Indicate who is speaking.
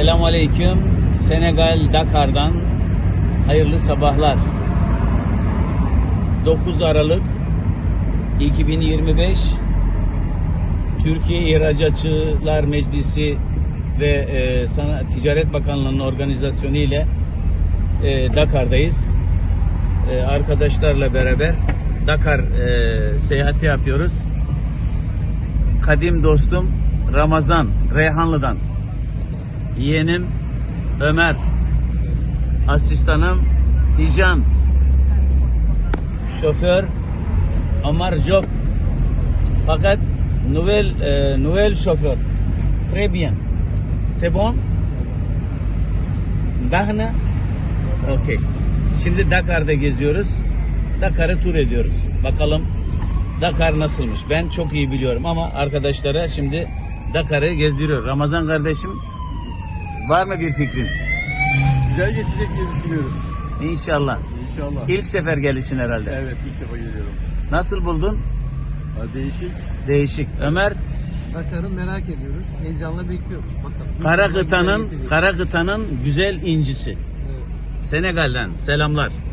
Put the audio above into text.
Speaker 1: Selamun Aleyküm. Senegal Dakar'dan hayırlı sabahlar. 9 Aralık 2025 Türkiye İhracatçılar Meclisi ve Ticaret Bakanlığı'nın organizasyonu ile Dakar'dayız. Arkadaşlarla beraber Dakar seyahati yapıyoruz. Kadim dostum Ramazan Reyhanlı'dan, yeğenim Ömer, asistanım Tijan, şoför Amar Job, fakat nouvelle şoför. Très bien. C'est bon? Bahne? Okey. Şimdi Dakar'da geziyoruz. Dakar'ı tur ediyoruz. Bakalım Dakar nasılmış? Ben çok iyi biliyorum ama arkadaşlara şimdi Dakar'ı gezdiriyor. Ramazan kardeşim, var mı bir fikrin?
Speaker 2: Güzel geçecek diye düşünüyoruz.
Speaker 1: İnşallah.
Speaker 2: İnşallah.
Speaker 1: İlk sefer gelişin herhalde.
Speaker 2: Evet, ilk defa geliyorum.
Speaker 1: Nasıl buldun?
Speaker 2: Değişik.
Speaker 1: Değişik. Ömer,
Speaker 3: Dakar'ı merak ediyoruz. Heyecanla bekliyoruz. Bakalım.
Speaker 1: Kara kıtanın güzel incisi.
Speaker 3: Evet.
Speaker 1: Senegal'den selamlar.